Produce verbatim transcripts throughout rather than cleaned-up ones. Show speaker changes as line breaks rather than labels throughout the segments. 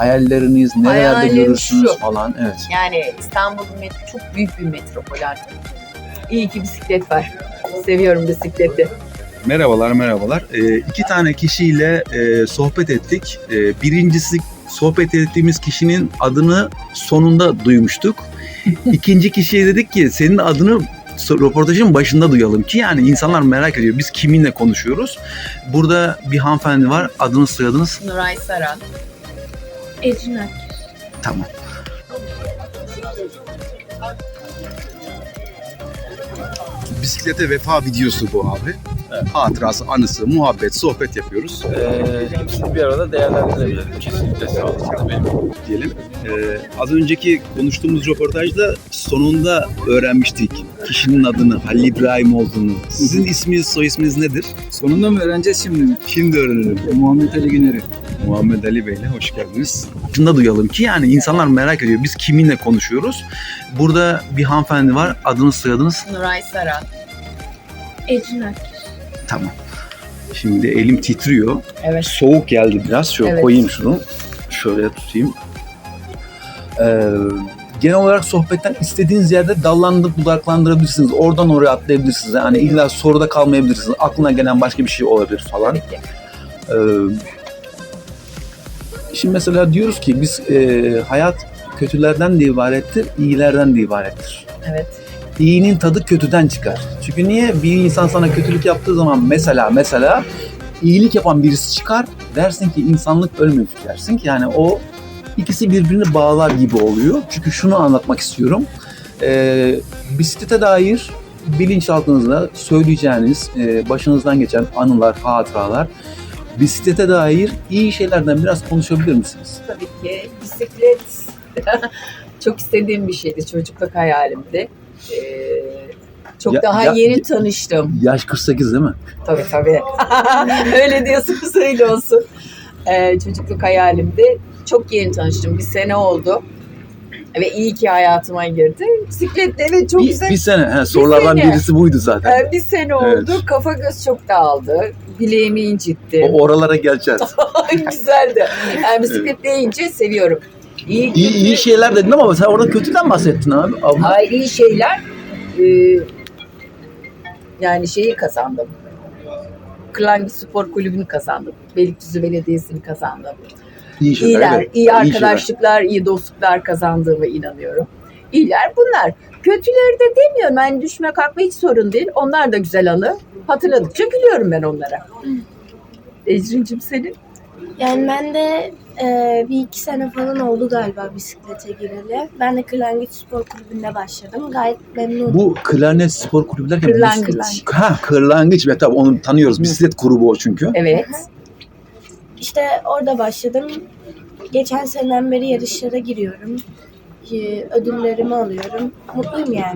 hayalleriniz, nerelerde
Hayalim
görürsünüz
şu.
falan. Evet.
Yani İstanbul met- çok büyük bir metropol artık. İyi ki bisiklet var. Seviyorum bisikleti.
Merhabalar, merhabalar. Ee, iki tane kişiyle e, sohbet ettik. Ee, birincisi sohbet ettiğimiz kişinin adını sonunda duymuştuk. İkinci kişiye dedik ki senin adını röportajın başında duyalım ki yani insanlar merak ediyor. Biz kiminle konuşuyoruz? Burada bir hanımefendi var. Adınız, soyadınız?
Nuray Saran.
Ecrin Ak.
Tamam. Bisiklete vefa videosu bu abi.
Evet.
Hatırası, anısı, muhabbet, sohbet yapıyoruz
Ee, hepsini bir arada değerlendirebilirim. Kesinlikle sağlıklı benim.
diyelim. Ee, az önceki konuştuğumuz röportajda sonunda öğrenmiştik kişinin adını, Halil İbrahim olduğunu. Sizin isminiz, soy isminiz nedir?
Sonunda mı öğreneceğiz şimdi?
Şimdi öğrenelim.
Muhammed Ali Güner'i.
Muhammed Ali Bey'le hoş geldiniz. Şunu duyalım ki yani insanlar merak ediyor. Biz kiminle konuşuyoruz? Burada bir hanımefendi var. Adınız, soyadınız?
Nuray Saran.
Ecrin Ak.
Tamam. Şimdi elim titriyor.
Evet.
Soğuk geldi biraz. Şöyle
Evet.
koyayım şunu. Şöyle tutayım. Ee, genel olarak sohbetten istediğiniz yerde dallandırıp budaklandırabilirsiniz. Oradan oraya atlayabilirsiniz. Yani illa soruda kalmayabilirsiniz. Aklına gelen başka bir şey olabilir falan.
Tabii ki.
Ee, şimdi mesela diyoruz ki biz e, hayat kötülerden de ibarettir, iyilerden de ibarettir.
Evet.
İyinin tadı kötüden çıkar. Çünkü niye? Bir insan sana kötülük yaptığı zaman mesela mesela iyilik yapan birisi çıkar, dersin ki insanlık ölmemiş dersin ki yani o ikisi birbirini bağlar gibi oluyor. Çünkü şunu anlatmak istiyorum. Ee, bisiklete dair bilinçaltınızda söyleyeceğiniz, e, başınızdan geçen anılar, hatıralar, bisiklete dair iyi şeylerden biraz konuşabilir misiniz?
Tabii ki bisiklet çok istediğim bir şeydi. Çocukluk hayalimdi. Ee, çok
Ya-
daha
ya-
yeni tanıştım.
Yaş kırk sekiz değil mi?
Tabii tabii. Öyle diyorsunuz, öyle olsun. Ee, çocukluk hayalimdi. Çok yeni tanıştım. Bir sene oldu. Ve iyi ki hayatıma girdi. Bisikletle evet çok
Bir,
güzel.
bir sene. He, sorulardan
sene.
birisi buydu zaten.
Ee, bir sene oldu.
Evet.
Kafa göz çok dağıldı. Bileğimi incitti.
O oralara geleceğiz.
Güzeldi. Yani bisiklet deyince seviyorum. İyi,
İyi, iyi şeyler dedin ama sen orada kötüden bahsettin abi. Abla.
Ay, iyi şeyler. Ee, yani şeyi kazandım. Kırlangıç Spor Kulübü'nü kazandım. Beylikdüzü Belediyesi'ni kazandım.
İyi şeyler.
İyiler,
evet.
iyi
şeyler.
arkadaşlıklar, iyi dostluklar kazandığıma inanıyorum. İyiler bunlar. Kötüleri de demiyorum. Yani düşme kalkma hiç sorun değil. Onlar da güzel anı. Hatırladıkça gülüyorum ben onlara. Ecrin'cim senin?
Yani ben de e, bir iki sene falan oldu galiba bisiklete gireli. Ben de Kırlangıç Spor Kulübü'nde başladım. Gayet memnunum.
Bu klarnet spor kulübü derken
Kırlangıç.
biz- Ha, kırlangıç ve tabii onu tanıyoruz. Bisiklet grubu o çünkü.
Evet.
İşte orada başladım. Geçen seneden beri yarışlara giriyorum. E, Ödüllerimi alıyorum. Mutluyum yani.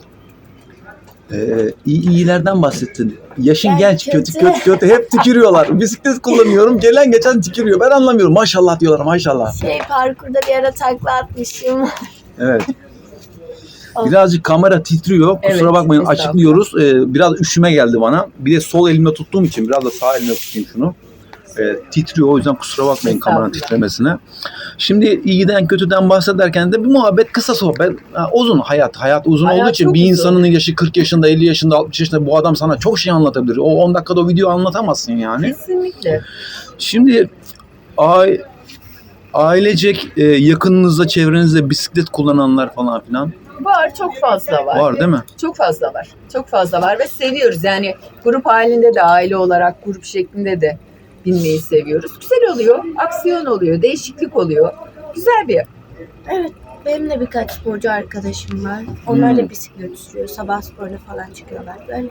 Ee, iyi, iyilerden bahsettin. Yaşın
Yani
genç, kötü
kötü.
kötü kötü hep tükürüyorlar. Bisiklet kullanıyorum, gelen geçen tükürüyor. Ben anlamıyorum. Maşallah diyorlar, maşallah.
Şey parkurda bir ara takla atmışım.
Evet. Birazcık kamera titriyor. Kusura
Evet,
bakmayın,
estağfurullah.
açıklıyoruz. Ee, biraz üşüme geldi bana. Bir de sol elimle tuttuğum için biraz da sağ elimle tutayım şunu. Ee, titriyor, o yüzden kusura bakmayın kameranın
Estağfurullah.
titremesine. Şimdi iyiden kötüden bahsederken de bir muhabbet, kısa sohbet. Ha, uzun hayat. Hayat uzun
Hayat
olduğu için
çok
bir
uzun.
insanın yaşı kırk yaşında, elli yaşında, altmış yaşında bu adam sana çok şey anlatabilir. O on dakikada o videoyu anlatamazsın yani.
Kesinlikle.
Şimdi ai- ailecek e, yakınınızda, çevrenizde bisiklet kullananlar falan filan
Var, çok fazla var.
var değil mi?
Çok fazla var. Çok fazla var ve seviyoruz. Yani grup halinde de, aile olarak grup şeklinde de binmeyi seviyoruz. Güzel oluyor, aksiyon oluyor, değişiklik oluyor. Güzel bir.
Evet, benim de birkaç sporcu arkadaşım var. Onlar
Hmm.
da bisiklet sürüyor. Sabah sporuna falan çıkıyorlar. Böyle.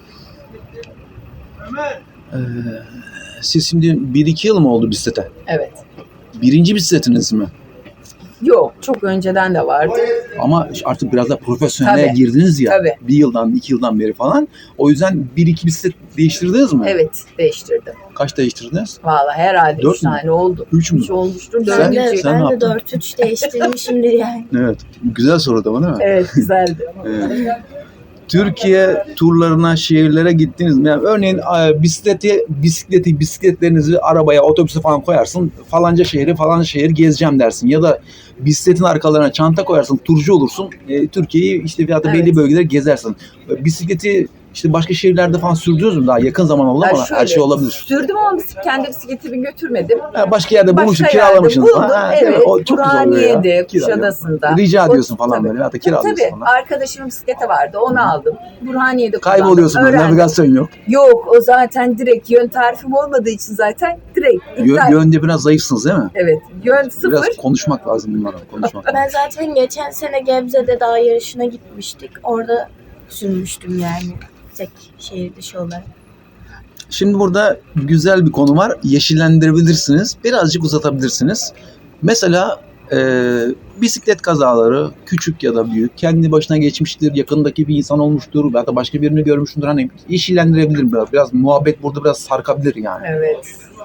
Ee, siz şimdi bir iki yıl mı oldu bisiklete?
Evet.
Birinci bisikletiniz mi?
Yok, çok önceden de vardı.
Ama artık biraz da profesyonele
Tabii.
girdiniz ya.
Tabii.
Bir yıldan, iki yıldan beri falan. O yüzden bir iki bisiklet değiştirdiniz mi?
Evet, değiştirdim.
Kaç değiştirdiniz?
Vallahi herhalde
Dört
üç
mü?
tane oldu.
Üç mü?
Üç olmuştur,
Sen-
Ben de,
dördüncü.
sen ne
ben de
yaptın?
dört üç değiştirmişimdir yani.
Evet. Güzel soru da bu değil mi?
Evet, güzeldi.
Evet. Türkiye turlarına, şehirlere gittiniz mi? Yani örneğin e, bisikleti, bisikleti, bisikletlerinizi arabaya, otobüse falan koyarsın. Falanca şehri, falanca şehir gezeceğim dersin. Ya da bisikletin arkalarına çanta koyarsın, turcu olursun. E, Türkiye'yi işte veyahut da belli
Evet.
bölgeleri gezersin. E, Bisikleti işte başka şehirlerde falan sürdünüz mü? Daha yakın zaman oldu
Ya
ama
şöyle,
her şey olabilir.
Sürdüm ama bisik- kendi bisikletimi götürmedim.
Ha, başka yerde
Başka
bulmuşsun,
yerde
kiralamışsınız
buldum,
falan. Ha, değil mi?
evet.
O çok güzel oluyor ya.
Burhaniye'de,
Kiralıyor.
Kuşadası'nda.
Rica
O-
ediyorsun falan
tabii.
böyle. Veyahut da
Tabii,
kiralıyorsun
tabii.
falan.
Arkadaşımın bisikleti vardı. Onu aldım. Burhaniye'de kullandım.
Kayboluyorsun böyle,
Öğrendim.
navigasyon yok.
Yok, o zaten direkt yön tarifim olmadığı için zaten direkt
Yö-
iptal.
yönde biraz zayıfsınız değil mi?
Evet. Yön sıfır.
Biraz konuşmak lazım bunlara, konuşmak.
Ben zaten geçen sene Gebze'de dağ yarışına gitmiştik. Orada sürmüştüm yani. Tek şehir dışı olarak.
Şimdi burada güzel bir konu var. Yeşillendirebilirsiniz. Birazcık uzatabilirsiniz. Mesela e, bisiklet kazaları küçük ya da büyük kendi başına geçmiştir. Yakındaki bir insan olmuştur. Ya da başka birini görmüştür. Hani yeşillendirebilir biraz. Biraz muhabbet burada biraz sarkabilir yani.
Evet.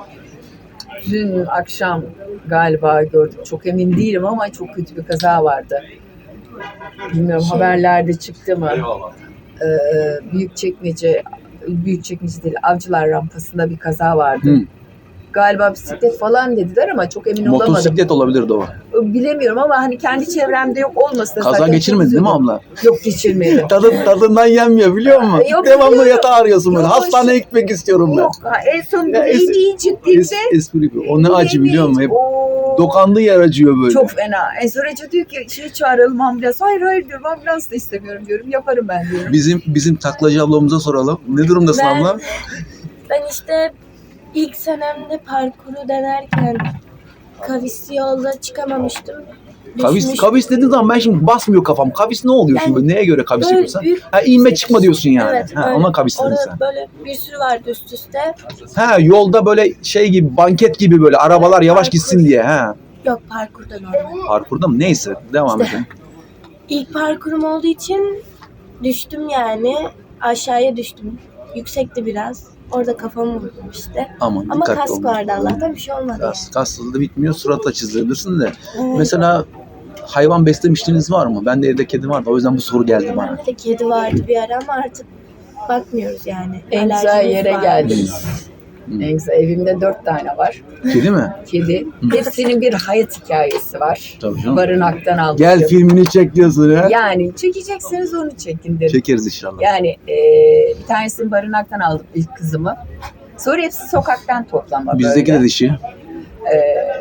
Dün akşam galiba gördük. Çok emin değilim ama çok kötü bir kaza vardı. Bilmiyorum
Şey-
haberlerde çıktı mı? Ee, Büyükçekmece, Büyükçekmece değil, Avcılar rampasında bir kaza vardı.
Hı.
Galiba bisiklet falan dediler ama çok emin olamadım.
Motosiklet olabilirdi o.
Bilemiyorum ama hani kendi çevremde yok olmasa
Kaza
zaten
geçirmedin değil mi
çok
abla?
Yok geçirmedim.
Tadı, tadından yenmiyor biliyor musun?
Yok,
Devamlı
biliyorum.
yatağa arıyorsun böyle.
Yok,
Hastaneye gitmek istiyorum ben.
Yok ha, en son
Ya,
bileğini
es-
incittiğimde
Es, espri yapıyor. O ne acı biliyor musun? Hep
Oo.
dokandığı yer acıyor böyle.
Çok fena. Ensar Hoca diyor ki şey çağıralım ambulans. Hayır hayır diyorum ambulans da istemiyorum diyorum. Yaparım ben diyorum.
Bizim bizim taklacı ablamıza soralım. Ne durumdasın
Ben-
abla?
Ben işte ilk senemde parkuru denerken kavisli yolda çıkamamıştım.
Kavis,
Düşmüş-
kavis dediğin zaman ben şimdi basmıyor kafam. Kavis ne oluyor şimdi?
Yani
Neye göre kavis
Böyle
yapıyorsun?
büyük-
Ha inme çıkma diyorsun yani.
Evet,
ha,
öyle.
ona kavis dedin
Orada
sen.
böyle bir sürü vardı üst üste.
Ha yolda böyle şey gibi banket gibi böyle arabalar
Evet,
yavaş
parkur.
gitsin diye. Ha.
Yok parkurda normal.
Parkurda mı? Neyse devam
İşte.
edelim.
İlk parkurum olduğu için düştüm yani. Aşağıya düştüm. Yüksekti biraz. Orada kafamı vurdum işte.
Aman
Ama
dikkatli
kask
olun.
vardı Allah'tan bir şey olmadı.
Kas, kaslı da bitmiyor. Suratla çizebilirsin de.
Yani. Evet.
Mesela hayvan beslemişliğiniz var mı? Ben de evde kedi vardı. O yüzden bu soru geldi bana.
Bende de kedi vardı bir ara ama artık bakmıyoruz yani.
En güzel
Alerjimiz
yere
var.
geldiniz.
Hmm.
En güzel. Evimde dört tane var.
Kedi mi?
Kedi. Hepsinin bir hayat hikayesi var.
Tabii canım.
Barınaktan aldım.
Gel filmini çek diyorsun ya.
Yani çekecekseniz onu çekin dedim.
Çekeriz inşallah.
Yani e, bir tanesini barınaktan aldım ilk kızımı. Sonra hepsi sokaktan toplama
Bizdeki
böyle.
de dişi.
E,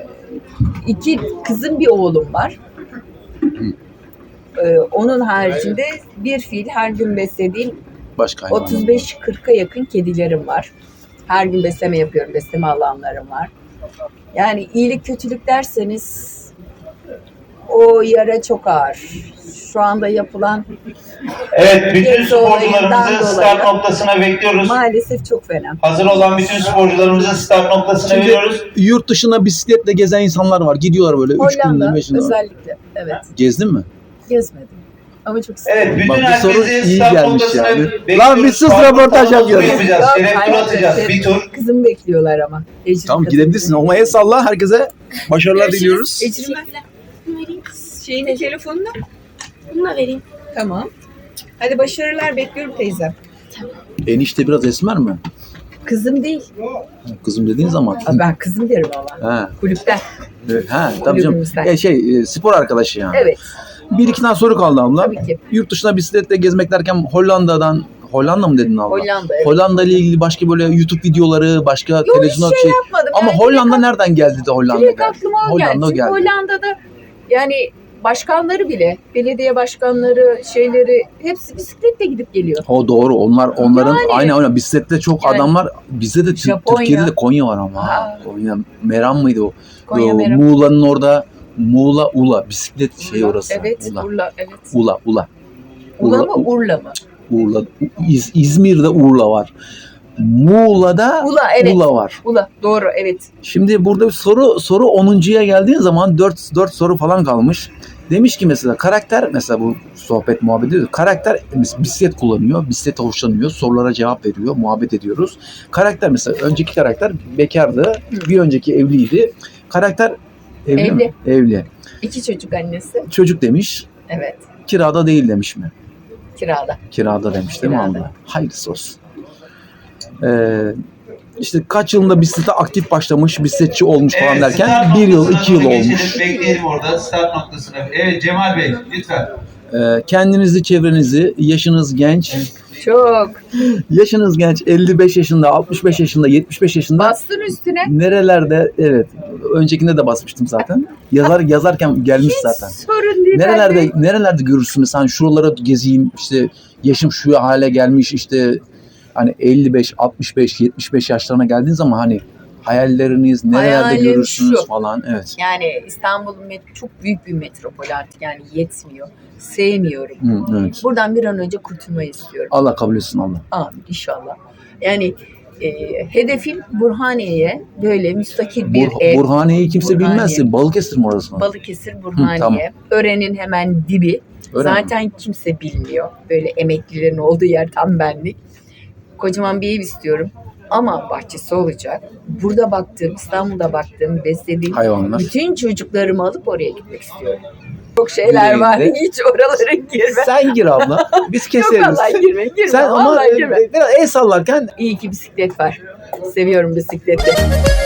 iki kızım bir oğlum var. E, onun haricinde bir fil her gün beslediğim
Başka hayvan.
otuz beş kırka yakın kedilerim var. Her gün besleme yapıyorum. Besleme alanlarım var. Yani iyilik kötülük derseniz o yara çok ağır. Şu anda yapılan
Evet, bütün
Genç olayından
sporcularımızı start
dolayı.
noktasına bekliyoruz.
maalesef çok fena.
Hazır olan bütün sporcularımızı start noktasına
Şimdi
veriyoruz.
yurt dışına bisikletle gezen insanlar var. Gidiyorlar böyle üç günde,
Hollanda
beş günde.
özellikle. Evet.
Gezdin mi?
Gezmedim. Ama çok istedim.
Evet, bütün
Bak, bu soru
herkesi
iyi
start
gelmiş
noktasına
yani.
bekliyoruz.
Lan bir sus,
Farklı
röportaj
tanıtım
yapıyoruz.
yapacağız.
Yok,
Şeref tur
hayır,
atacağız.
evet.
Bir tur.
Kızımı bekliyorlar ama. Ecrin
Tamam
kızım.
gidebilirsin. Ama eyvallah. Herkese başarılar diliyoruz.
Ecrin ben
Bunu vereyim.
şeyine telefonuna.
Bunu da vereyim.
Tamam. Hadi başarılar bekliyorum teyzem.
Enişte biraz esmer mi?
Kızım değil.
Kızım dediğin zaman.
Aa, ben kızım derim ama.
Ha,
Kulüpten.
evet, ha tabii canım.
Kulübümüzden.
E, şey e, spor arkadaşı yani.
Evet.
Bir iki tane soru kaldı abla.
Tabii ki.
Yurt dışına bisikletle gezmek derken Hollanda'dan Hollanda mı dedin abla?
Hollanda. Evet.
Hollanda ile ilgili başka böyle YouTube videoları, başka
Yok,
televizyonda
hiç
şey.
yapmadım.
Ama
Yani
Hollanda
direkt-
nereden geldi de Hollanda
Direkt
geldi?
aklıma o
Hollanda
geldi.
o
Çünkü
geldi.
Hollanda'da yani başkanları bile, belediye başkanları, şeyleri hepsi bisikletle gidip geliyor.
O doğru. Onlar onların
Yani.
aynen aynen bisiklette çok
Yani.
adam var. Bizde de Tür-
Japonya.
Türkiye'de de Konya var ama.
Ha.
Konya Meram mıydı o?
Konya
O
Meram.
Muğla'nın orada Muğla Ula bisiklet şey orası.
Evet,
Ula.
Urla, evet.
Ula Ula.
Ula
Urla-
mı, Urla mı?
Urla. İz- İzmir'de Urla var. Muğla'da
Ula, evet.
Ula var.
Ula, doğru, evet.
Şimdi burada bir soru soru onuncuya geldiğin zaman dört dört soru falan kalmış. Demiş ki mesela karakter, mesela bu sohbet muhabbet ediyoruz. Karakter bisiklet kullanıyor, bisiklete hoşlanıyor, sorulara cevap veriyor, muhabbet ediyoruz. Karakter mesela önceki karakter bekardı, bir önceki evliydi. Karakter evli
Evli.
mi? Evli.
İki çocuk annesi.
Çocuk demiş,
Evet.
kirada değil demiş mi?
Kirada.
Kirada demiş değil mi
Kirada.
abla? Hayırlısı olsun. Ee, işte kaç yılında bisiklete aktif başlamış, bisikletçi olmuş falan derken
start
bir yıl,
noktasına
iki yıl
doğru
olmuş.
geçelim, bekleyelim orada start noktasına. Evet Cemal Bey lütfen.
Ee, kendinizi, çevrenizi, yaşınız genç,
Çok.
yaşınız genç, elli beş yaşında, altmış beş yaşında, yetmiş beş yaşında.
Bastın üstüne.
Nerelerde, evet, öncekinde de basmıştım zaten. Yazar yazarken gelmiş zaten.
Sorun değil.
Nerelerde
ben de-
nerelerde görürsünüz? Hani şuralara gezeyim, işte yaşım şu hale gelmiş, işte hani elli beş, altmış beş, yetmiş beş yaşlarına geldiğiniz zaman hani hayalleriniz nerelerde
Hayalim
görürsünüz
şu.
falan. Evet.
Yani İstanbul'un met- çok büyük bir metropol artık, yani yetmiyor. Sevmiyorum.
Hı, evet.
Buradan bir an önce kurtulmayı istiyorum.
Allah kabul etsin Allah.
Amin inşallah. Yani e, hedefim Burhaniye'ye böyle müstakil bir
Bur-
ev.
Burhaniye'yi kimse
Burhaniye.
bilmezse Balıkesir mi orası?
Balıkesir, Burhaniye.
tamam.
Ören'in hemen dibi.
Öyle mi?
Zaten kimse bilmiyor. Böyle emeklilerin olduğu yer tam benlik. Kocaman bir ev istiyorum. Ama bahçesi olacak. Burada baktığım, İstanbul'da baktığım, beslediğim
Hayvanlar.
bütün çocuklarımı alıp oraya gitmek istiyorum. Çok şeyler
Güle
var.
güle.
Hiç oralara girme.
Sen gir abla. Biz
Yok
keseriz.
vallahi girme. Girme.
Sen ama
vallahi
e,
girme.
biraz el sallarken
İyi ki bisiklet var. Seviyorum bisikleti.